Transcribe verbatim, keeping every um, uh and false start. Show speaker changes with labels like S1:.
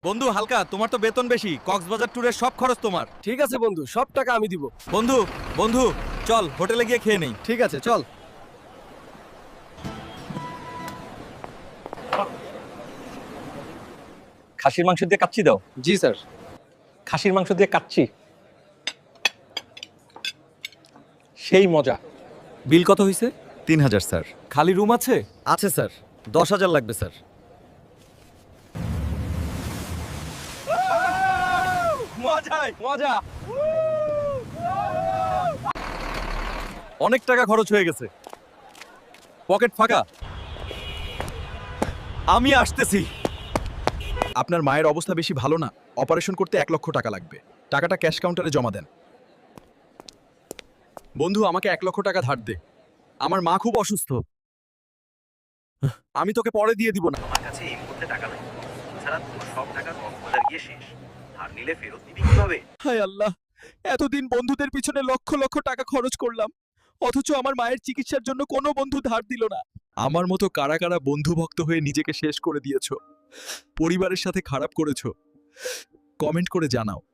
S1: বন্ধু হালকা, তোমার তো বেতন বেশি, কক্সবাজার ট্যুরের সব খরচ তোমার।
S2: ঠিক আছে বন্ধু, সব টাকা আমি দিব।
S1: বন্ধু বন্ধু চল হোটেলে গিয়ে খেয়ে নেই।
S2: ঠিক আছে, চল।
S3: খাসির মাংস দিয়ে কাচ্চি দাও।
S2: জি স্যার।
S3: খাসির মাংস দিয়ে কাচ্চি সেই মজা।
S1: বিল কত হয়েছে?
S4: তিন হাজার স্যার।
S1: খালি রুম আছে?
S2: আছে স্যার, দশ হাজার লাগবে স্যার।
S1: মজাই মজা। অনেক টাকা খরচ হয়ে গেছে, পকেট ফাঁকা। আমি আসতেছি।
S4: আপনার মায়ের অবস্থা বেশি ভালো না, অপারেশন করতে এক লক্ষ টাকা লাগবে। টাকাটা ক্যাশ কাউন্টারে জমা দেন। বন্ধু আমাকে এক লক্ষ টাকা ধার দে, আমার মা খুব অসুস্থ। আমি তোকে পরে দিয়ে দিব না।
S5: আমার কাছে এই মুহূর্তে টাকা নেই, ছাড়া তোর সব টাকা কক্সবাজার গিয়ে শেষ। ধার নিলে ফেরত দিবি কিভাবে?
S4: হায় আল্লাহ, এতদিন বন্ধুদের পিছনে লক্ষ লক্ষ টাকা খরচ করলাম, অথচ আমার মায়ের চিকিৎসার জন্য কোনো বন্ধু ধার দিল না। আমার মতো কারা কারা বন্ধু ভক্ত হয়ে নিজেকে শেষ করে দিয়েছো, পরিবারের সাথে খারাপ করেছো, কমেন্ট করে জানাও।